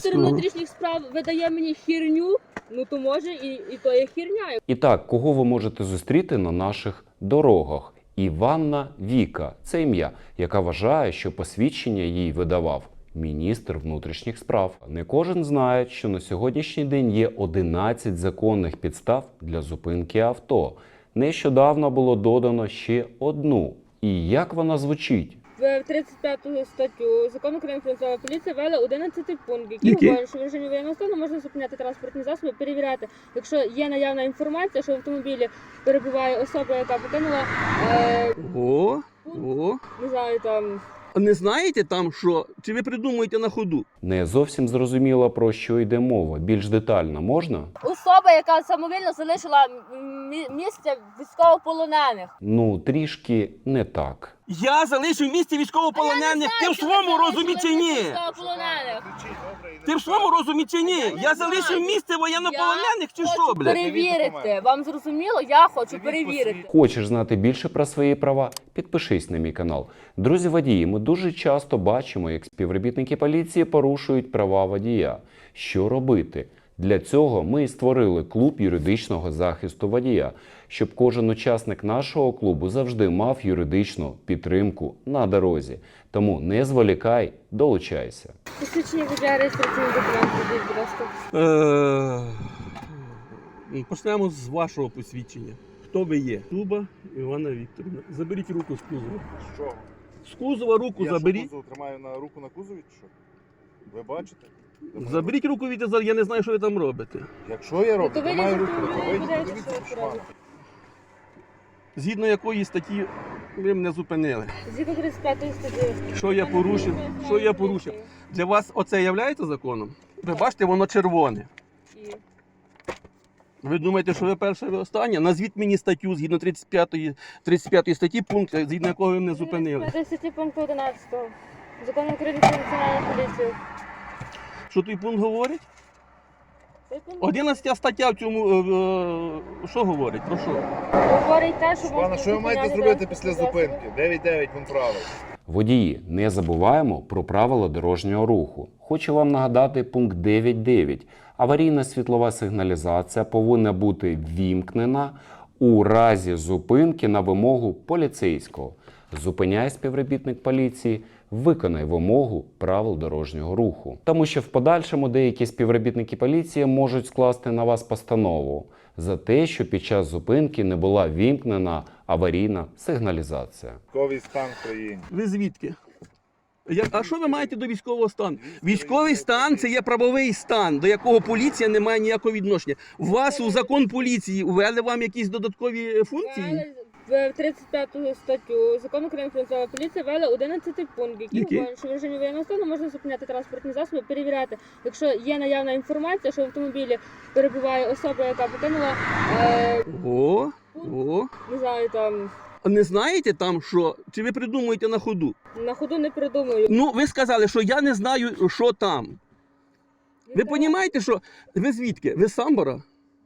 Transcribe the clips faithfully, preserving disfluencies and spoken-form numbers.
Міністр внутрішніх справ видає мені хірню, ну то може і, і то є хірня. І так, кого ви можете зустріти на наших дорогах? Іванна Віка – це ім'я, яка вважає, що посвідчення їй видавав міністр внутрішніх справ. Не кожен знає, що на сьогоднішній день є одинадцять законних підстав для зупинки авто. Нещодавно було додано ще одну. І як вона звучить? В тридцять п'яту статтю Закону України про національну поліцію ввели одинадцятий пункт, який Який? говорить, що в режимі воєнного стану можна зупиняти транспортні засоби, перевіряти, якщо є наявна інформація, що в автомобілі перебуває особа, яка покинула, е, О, о. не знаю, там, Не знаєте там що? Чи ви придумуєте на ходу? Не зовсім зрозуміло, про що йде мова. Більш детально можна? особа, яка самовільно залишила мі- місце військовополонених. Ну, трішки не так. Я залишив місце військовополонених. Ти в своєму розумі чи ні? Військовополонених. Ти в своєму розумі чи ні? Я залишив місце воєннополонених чи що, блядь? Перевірити. Вам зрозуміло? Я хочу перевірити. Хочеш знати більше про свої права? Підпишись на мій канал. Друзі водії, ми дуже часто бачимо, як співробітники поліції порушують права водія. Що робити? Для цього ми і створили клуб юридичного захисту водія, щоб кожен учасник нашого клубу завжди мав юридичну підтримку на дорозі. Тому не зволікай, долучайся. Посвідчення водія, реєстраційний документ, будь будь ласка. Е, Почнемо з вашого посвідчення. Хто ви є? Туба Івана Вікторівна. Заберіть руку з кузова. Що? З кузова руку Я заберіть. що, кузов тримаю на руку на кузові, чи що? Ви бачите? Заберіть руку від Азар, я не знаю, що ви там робите. Якщо я роблю, то ви тримаю не руку, то будете вийдіть, подивитися, подивіться, що що ви мали. Згідно якої статті ви мене зупинили? Згідно тридцять п'ятої статті. Що я порушив? Що я порушив? Для вас оце є законом? Ви бачите, воно червоне. І Ви думаєте, що ви перше, ви останнє? Назвіть мені статтю згідно тридцять п'ятої, тридцять п'ятої статті, пункт, згідно якого ви мене зупинили. тридцять п'ятої статті пункту одинадцятого. Закону України про національну поліцію. Що той пункт говорить? Цей пункт одинадцята стаття в цьому, е, е, що говорить? Про що? говорить те, що Пане, можна що ви маєте зупиняти зробити після транспортні зупинки? дев'ять дев'ять пункт правил. Водії, не забуваємо про правила дорожнього руху. Хочу вам нагадати пункт дев'ять дев'ять. Аварійна світлова сигналізація повинна бути ввімкнена у разі зупинки на вимогу поліцейського. Зупиняє співробітник поліції, виконай вимогу правил дорожнього руху. Тому що в подальшому деякі співробітники поліції можуть скласти на вас постанову за те, що під час зупинки не була ввімкнена аварійна сигналізація. Військовий стан в країні. Ви звідки? Я, а що ви маєте до військового стану? Військовий стан – це є правовий стан, до якого поліція не має ніякого відношення. У вас у закон поліції ввели вам якісь додаткові функції? В тридцять п'яту статтю Закону України про національну поліцію ввели одинадцятий пункт, який Який? говорить, що в режимі воєнного стану можна зупиняти транспортні засоби, перевіряти, якщо є наявна інформація, що в автомобілі перебуває особа, яка покинула, е, О, о. не знаю, там, Не знаєте там що? Чи ви придумуєте на ходу? на ходу не придумаю. Ну, ви сказали, що я не знаю, що там. Ви розумієте, що... Ви звідки? Ви з Самбора?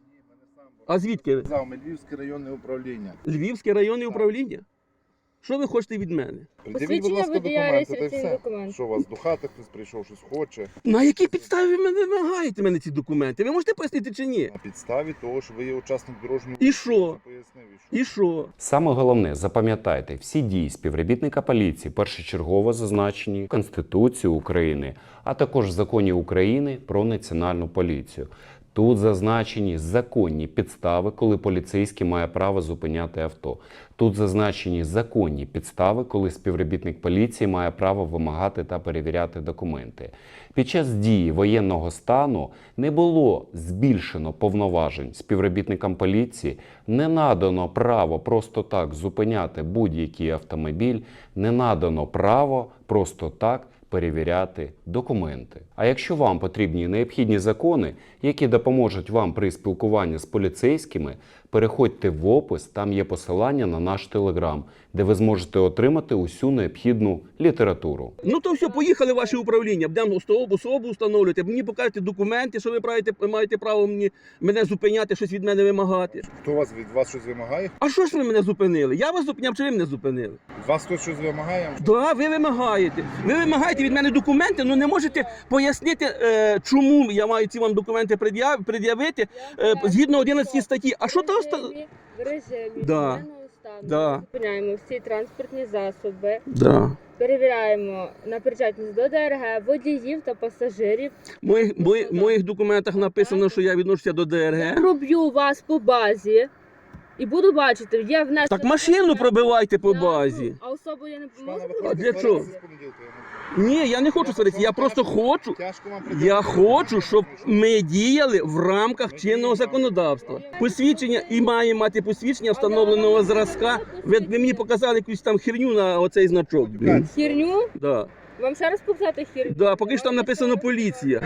А звідки ви? Казав, ми Львівське районне управління. Львівське районне управління? Що ви хочете від мене? Придивіть, будь Посвідчення ласка, водія, документи, та й реєстраційний все. документ. Що у вас до хати хтось прийшов, щось хоче. На якій підставі ви мене вимагаєте мене ці документи? Ви можете пояснити чи ні? На підставі того, що ви є учасник дорожнього І руху, що? я пояснив, і що. І що? Саме головне, запам'ятайте, всі дії співробітника поліції першочергово зазначені в Конституції України, а також в Законі України про національну поліцію. Тут зазначені законні підстави, коли поліцейський має право зупиняти авто. Тут зазначені законні підстави, коли співробітник поліції має право вимагати та перевіряти документи. Під час дії воєнного стану не було збільшено повноважень співробітникам поліції, не надано право просто так зупиняти будь-який автомобіль, не надано право просто так перевіряти документи. А якщо вам потрібні необхідні закони, які допоможуть вам при спілкуванні з поліцейськими, переходьте в опис, там є посилання на наш телеграм, де ви зможете отримати усю необхідну літературу. Ну то все, поїхали в ваше управління, будемо особу, особу встановлювати, мені покажете документи, що ви маєте, маєте право мені, мене зупиняти, щось від мене вимагати. Хто вас від вас щось вимагає? А що ж ви мене зупинили? Я вас зупиняв, чи ви мене зупинили? Від вас хтось щось вимагає? Да, ви вимагаєте. Ви вимагаєте від мене документи, але не можете пояснити. пояснити, е, чому я маю ці вам документи пред'яв- пред'явити, е, згідно одинадцятої статті. А що то оста... В режимі Да. воєнного стану Да. зупиняємо всі транспортні засоби, Да. перевіряємо на причетність до ДРГ, водіїв та пасажирів. В моїх, мої- моїх документах написано, що я відношуся до Я ДРГ. проб'ю вас по базі і буду бачити, є внесено... Так машину пробивайте по Я- базі. А особу я не Пане, можу ви А пробити? для хочете чого? сваритися з понеділка? Я не- Ні, я не хочу сваритися, я просто хочу. Тяжко вам Я придивити. хочу, щоб ми діяли в рамках чинного законодавства. Посвідчення і має мати посвідчення встановленого зразка. Ви, ви мені показали якусь там херню на оцей значок. Блін. Хірню? Да. Вам ще раз показати хірню? Да, поки що там написано поліція.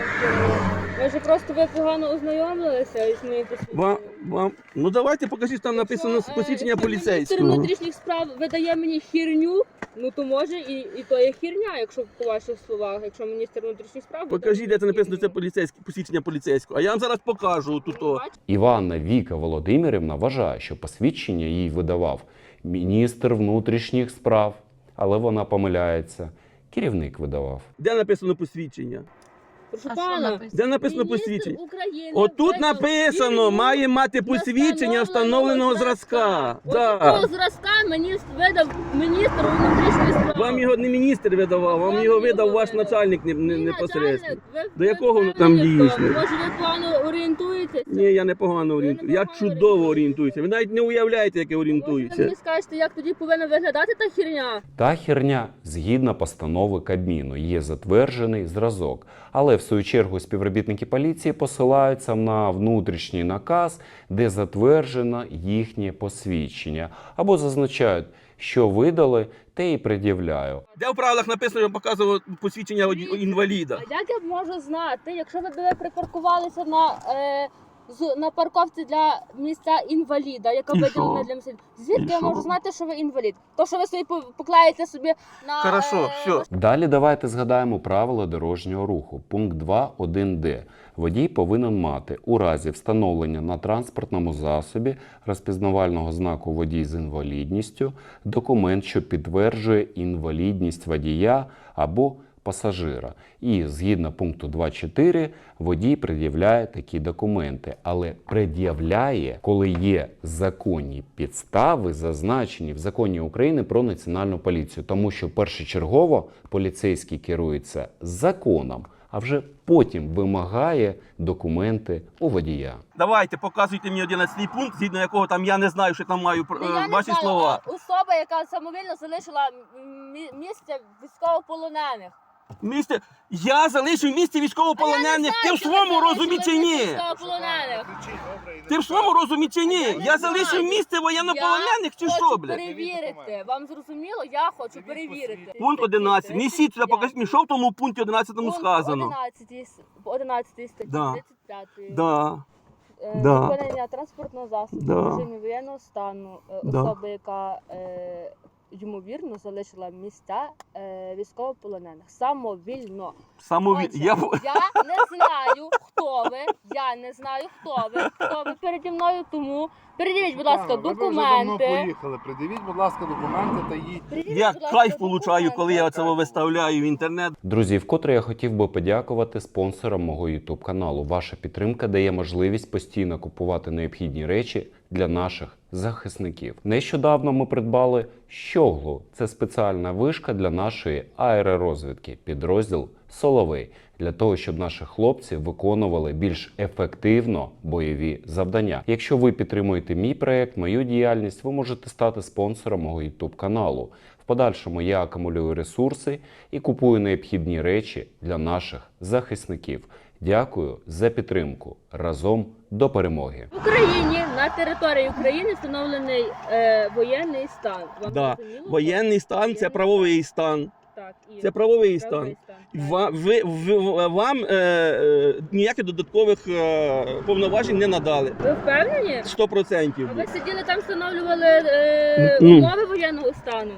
Може просто ви погано ознайомилися із моїм посвідченням? Вам, вам, ну давайте покажіть, там написано Якщо, е, посвідчення якщо Міністр поліцейського. внутрішніх справ видає мені хірню, ну то може і, і то є хірня, якщо по ваших словах, якщо міністр внутрішніх справ... видає Покажіть, де це мені написано, це хірню. поліцейське, посвідчення поліцейського. А я вам зараз покажу тут. о. Іванна Віка Володимирівна вважає, що посвідчення їй видавав міністр внутрішніх справ, але вона помиляється. Керівник видавав. Де написано посвідчення? Прошу А що пана, написано? Де написано міністр посвідчення? України Отут видав написано, хірню має мати для посвідчення встановленого зразка. Отакого Да. зразка мені видав міністр внутрішніх справ. Вам його не міністр видавав, вам Вам його його видав ваш видав. начальник не, не, Мій непосередньо. начальник, ви- До ви якого воно впевнені там в тому? дійсно? Може ви погано орієнтуєтеся? Ні, я не погано Ви не орієнтуюся. Я погано чудово орієнтуєтеся. орієнтуюся. Ви навіть не уявляєте, як я Може ви орієнтуюся. мені скажете, як тоді повинна виглядати та хірня? Та херня, згідно постанови Кабміну, є затверджений зразок. Але в свою чергу співробітники поліції посилаються на внутрішній наказ, де затверджено їхнє посвідчення. Або зазначають, що видали, те і пред'являю. Де в правилах написано, я показував посвідчення од- інваліда? А як я можу знати, якщо ви були припаркувалися на, е, з, на парковці для місця інваліда, яка І виділена що? для місця? Звідки І я що? можу знати, що ви інвалід? То, що ви собі по- поклеїте собі на... Хорошо, е, все. Далі давайте згадаємо правила дорожнього руху. Пункт два один де. Водій повинен мати у разі встановлення на транспортному засобі розпізнавального знаку водій з інвалідністю документ, що підтверджує інвалідність водія або пасажира. І згідно пункту два чотири водій пред'являє такі документи, але пред'являє, коли є законні підстави, зазначені в законі України про національну поліцію, тому що першочергово поліцейський керується законом, а вже потім вимагає документи у водія. Давайте, показуйте мені одинадцятий пункт, згідно якого там я не знаю, що там маю Ну, е, я не ваші знаю, слова. а Особа, яка самовільно залишила мі- місце військовополонених. Місце, я залишив місце військовополонених. Ти в своєму розумі чи ні? Військовополонених. Кричіть, добре, і не Ти в своєму розумі чи ні? Я не Я знаю. залишив місце воєннополонених чи що, Хочу блядь? перевірити. Вам зрозуміло? Я хочу перевірити. Пункт одинадцять. Несіть сюди, покажіть мені, що в тому пункті одинадцятому Пункт сказано. одинадцятий с- одинадцятий статті Да. тридцять п'ятої. Да. Е, Да. Зупинення транспортного засобу Да. в режимі воєнного стану е, Да. особи, яка е, ймовірно залишила місця е, військовополонених самовільно. Самові... Отже, Я... я не знаю, хто ви. Я не знаю, хто ви. Хто ви переді мною, тому передивіть, будь ласка, Пане, ви вже давно документи. поїхали. Придивіть, будь ласка, документи та їдьте. Передивіть, я будь ласка, кайф получаю, коли я документи. це виставляю в інтернет. Друзі, вкотре я хотів би подякувати спонсорам мого YouTube каналу. Ваша підтримка дає можливість постійно купувати необхідні речі для наших захисників. Нещодавно ми придбали щоглу. Це спеціальна вишка для нашої аеророзвідки, підрозділ Соловей, для того, щоб наші хлопці виконували більш ефективно бойові завдання. Якщо ви підтримуєте мій проект, мою діяльність, ви можете стати спонсором мого YouTube каналу. В подальшому я акумулюю ресурси і купую необхідні речі для наших захисників. Дякую за підтримку. Разом до перемоги. В Україні на території України встановлений е, воєнний стан. Вам Да. зрозуміло? Воєнний стан це правовий стан. Так, і Це правовий стан. правовий стан. Так. Ва- ви, ви- вам е, е, ніяких додаткових е, повноважень не надали. Ви впевнені? сто процентів. А ви сиділи там, встановлювали е, Ну. умови воєнного стану?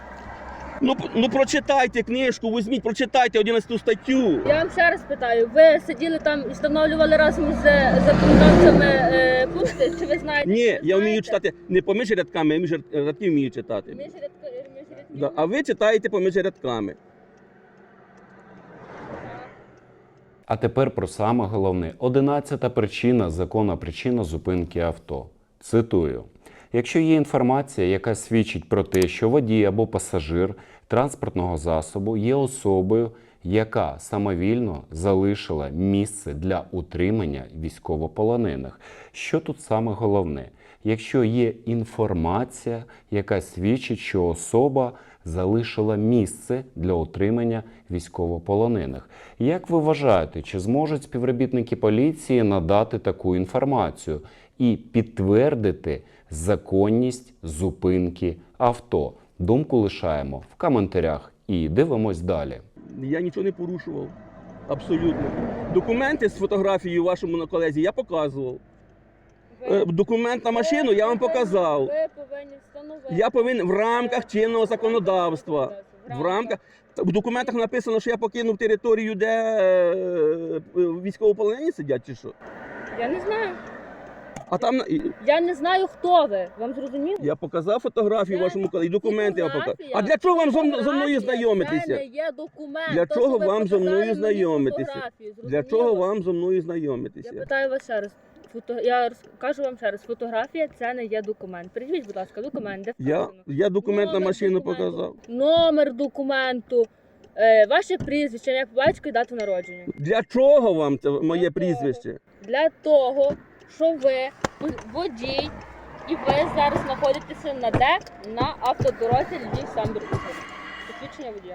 Ну, п- ну прочитайте книжку, візьміть, прочитайте одинадцяту статтю. Я вам ще раз питаю, ви сиділи там і встановлювали разом з законодавцями е, пункти? Чи ви знаєте? Ні, чи ви я вмію знаєте? читати не поміж рядками, а між ряд- рядків вмію читати. Між рядки- між рядків? Да. А ви читаєте поміж рядками. А тепер про саме головне. Одинадцята причина, законна причина зупинки авто. Цитую. Якщо є інформація, яка свідчить про те, що водій або пасажир транспортного засобу є особою, яка самовільно залишила місце для утримання військовополонених. Що тут саме головне? Якщо є інформація, яка свідчить, що особа залишила місце для утримання військовополонених. Як ви вважаєте, чи зможуть співробітники поліції надати таку інформацію і підтвердити законність зупинки авто? Думку лишаємо в коментарях і дивимось далі. Я нічого не порушував. Абсолютно. Документи з фотографією вашому колезі я показував. Е, Документ на машину я вам показав. Ви повинні встановити. Я повинен в рамках чинного законодавства. В рамках в документах написано, що я покинув територію, де е, військовополонені сидять, чи що? Я не знаю. А там і- Я не знаю, хто ви. Вам зрозуміло? я показав фотографію Це вашому колезі, документи я показав. Фотографія. А для чого вам зо, зо мною Фотографія знайомитися? Це не є документ. Для То, чого що ви вам зо мною показали мені знайомитися? фотографію, Для зрозуміло? чого вам зо мною Я знайомитися? питаю вас ще раз. Фото... Я роз- кажу вам ще раз, фотографія це не є документ. Придивіть, будь ласка, документ, де Я, вказано. я документ на Номер машину документу. показав. Номер документу, е, ваше прізвище, ім'я, по батьку і дату народження. Для чого вам це моє Для прізвище? Для того, що ви водій і ви зараз знаходитеся на де? На автодорозі Львів Самбір. Посвідчення водія.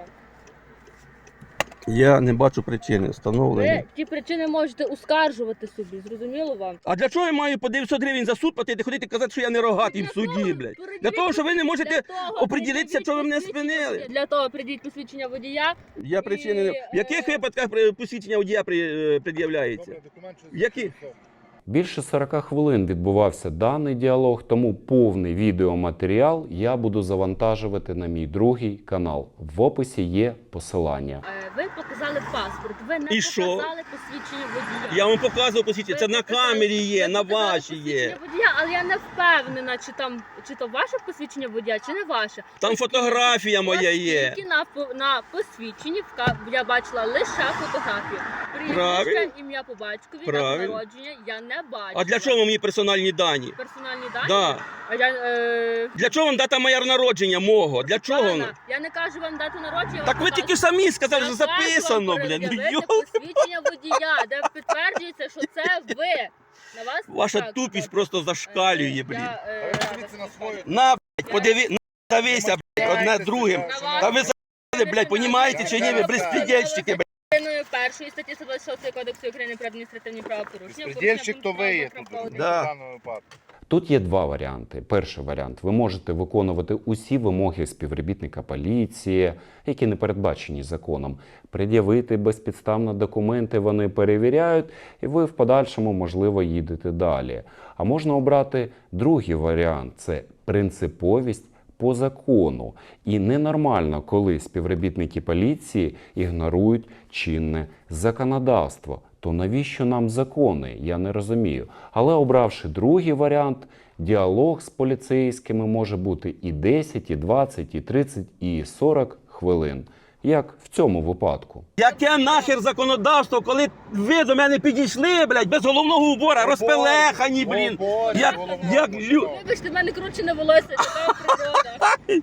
Я не бачу причини встановлення. Ви ті причини можете оскаржувати собі, зрозуміло вам? А для чого я маю по дев'ятсот гривень за суд платити, ходити казати, що я не рогатий в суді, блядь? Для того, що ви не можете Для того оприділитися, придіть що ви мене посвідчення спинили. водія. Для того придіть посвідчення водія. Я причини не... І, В яких е, випадках при- посвідчення водія при- е, пред'являється? Добре, документ, що Які? Більше сорока хвилин відбувався даний діалог, тому повний відеоматеріал я буду завантажувати на мій другий канал. В описі є посилання. Е, Ви показали паспорт, ви не І що? показали посвідчення водія. Я вам показував посвідчення, це Ви на показали- камері є, ви на показали вашій є. посвідчення водія, але я не впевнена, чи там чи то ваше посвідчення водія, чи не ваше. Там Оскільки- фотографія моя є. Оскільки на, по- на посвідченні вка- я бачила лише фотографію. Правильно. Прізвище, ім'я по батькові, дата Правильно. народження я не бачила. А для чого мені персональні дані? Персональні дані? Да. А я, е... Для чого вам дата моя народження мого? Для чого Пана, вона? я не кажу вам дату народження. Так ви тільки самі сказали, що записано, блін. Ну, Йо... йо. посвідчення водія, де підтверджується, що це ви. На вас Ваша так, тупість так. просто Е, зашкалює, блін. я, А е, ви рада подивіться на сказати. свою. На, блядь, подиви, на, дивися, блядь, одне другим. На Та ви вас- за**ли, блядь, понімаєте чи ні? Ви безпредельщики, блядь. Частиною першої статті сто двадцять шостої Кодексу України про адміністративні правопорушення. Безпредельщик то ви є тут, порушення в Да. даному випадку. Тут є два варіанти. Перший варіант. Ви можете виконувати усі вимоги співробітника поліції, які не передбачені законом. Пред'явити безпідставно документи, вони перевіряють, і ви в подальшому, можливо, їдете далі. А можна обрати другий варіант – це принциповість по закону. І ненормально, коли співробітники поліції ігнорують чинне законодавство. То навіщо нам закони? Я не розумію. Але обравши другий варіант, діалог з поліцейськими може бути і десять, і двадцять, і тридцять, і сорок хвилин. Як в цьому випадку. Яке нахер законодавство, коли ви до мене підійшли, блядь, без головного убора, розпелехані, блін. Оборі, Як, головного як убора. лю... Вибачте, в мене кручене волосся, така природа.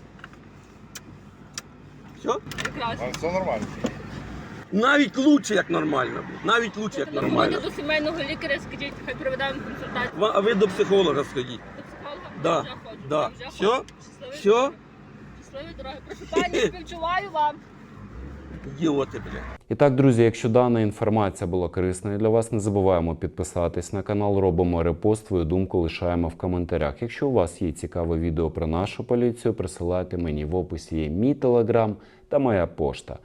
Що? Прекрасно. А, все нормально. Навіть лучше, як нормально, блін. Навіть лучше, як нормально. Телефонуйте до сімейного лікаря, скажіть, хай проведе вам консультацію. Ва- А ви до психолога сходіть. До психолога? Да, Я вже ходжу, да. я вже Всьо? ходжу. Щасливої Всьо? дороги. Щасливої дороги. Прошу пані, співчуваю вам. Ідіоти, блядь. І так, друзі, якщо дана інформація була корисною для вас, не забуваємо підписатись на канал, робимо репост, свою думку лишаємо в коментарях. Якщо у вас є цікаве відео про нашу поліцію, присилайте мені в описі є мій телеграм та моя пошта.